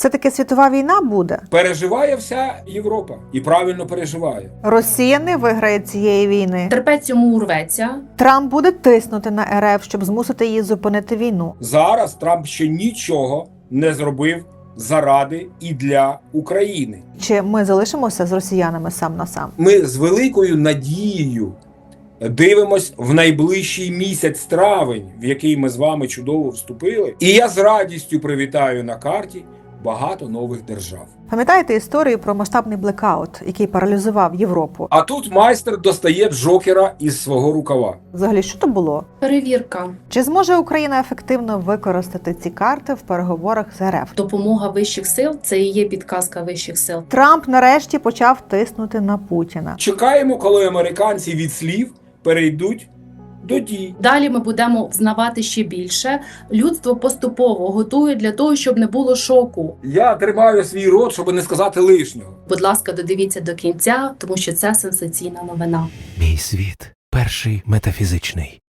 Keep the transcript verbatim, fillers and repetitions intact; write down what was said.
Все-таки світова війна буде? Переживає вся Європа. І правильно переживає. Росія не виграє цієї війни. Терпець йому урветься. Трамп буде тиснути на РФ, щоб змусити її зупинити війну. Зараз Трамп ще нічого не зробив заради і для України. Чи ми залишимося з росіянами сам на сам? Ми з великою надією дивимось в найближчий місяць травень, в який ми з вами чудово вступили. І я з радістю привітаю на карті багато нових держав. Пам'ятаєте історію про масштабний блекаут, який паралізував Європу? А тут майстер достає Джокера із свого рукава. Взагалі, що то було? Перевірка. Чи зможе Україна ефективно використати ці карти в переговорах з РФ? Допомога вищих сил – це і є підказка вищих сил. Трамп нарешті почав тиснути на Путіна. Чекаємо, коли американці від слів перейдуть до дій. Далі ми будемо взнавати ще більше. Людство поступово готує для того, щоб не було шоку. Я тримаю свій рот, щоб не сказати лишнього. Будь ласка, додивіться до кінця, тому що це сенсаційна новина. Мій світ перший метафізичний.